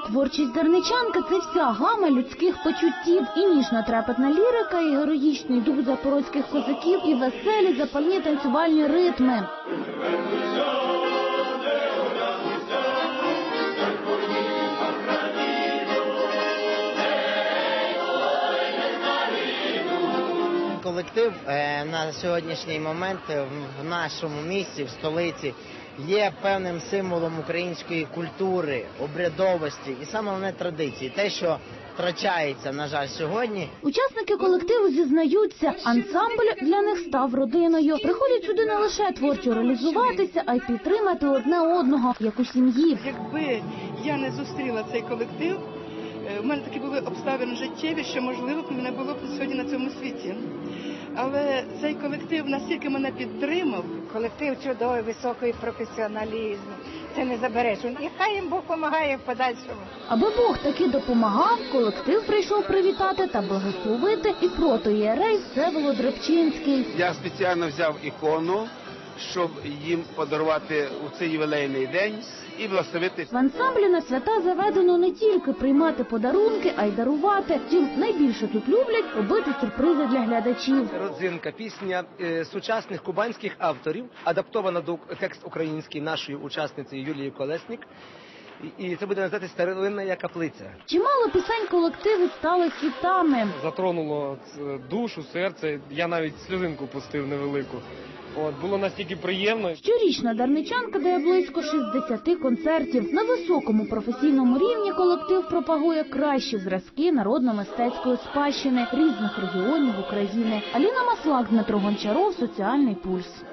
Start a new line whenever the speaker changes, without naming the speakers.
Творчість дарничанки – це вся гама людських почуттів. І ніжно-трепетна лірика, і героїчний дух запорозьких козаків, і веселі запальні танцювальні ритми.
Колектив на сьогоднішній момент в нашому місті, в столиці, є певним символом української культури, обрядовості і саме головне традиції. Те, що втрачається, на жаль, сьогодні.
Учасники колективу зізнаються, ансамбль для них став родиною. Приходять сюди не лише творчо реалізуватися, а й підтримати одне одного, як у сім'ї.
Якби я не зустріла цей колектив, у мене такі були обставини життєві, що, можливо, мене було б сьогодні на цьому світі. Але цей колектив настільки мене підтримав.
Колектив чудовий, високий професіоналізм. Це не забереш. І хай їм Бог допомагає в подальшому.
Аби Бог таки допомагав, колектив прийшов привітати та благословити і протоієрей Всеволод Рибчинський.
Я спеціально взяв ікону, щоб їм подарувати у цей ювілейний день і благословити.
В ансамблі на свята заведено не тільки приймати подарунки, а й дарувати. Втім, найбільше тут люблять робити сюрпризи для глядачів.
Родзинка, пісня сучасних кубанських авторів, адаптована до текст український нашою учасницею Юлією Колесник. І це буде називатися «Старовинна каплиця».
Чимало пісень колективу стали хітами.
Затронуло душу, серце, я навіть сльозинку пустив невелику. Було настільки приємно.
Щорічна дарничанка дає близько 60 концертів. На високому професійному рівні колектив пропагує кращі зразки народно-мистецької спадщини різних регіонів України. Аліна Маслак, Дмитро Гончаров, «Соціальний пульс».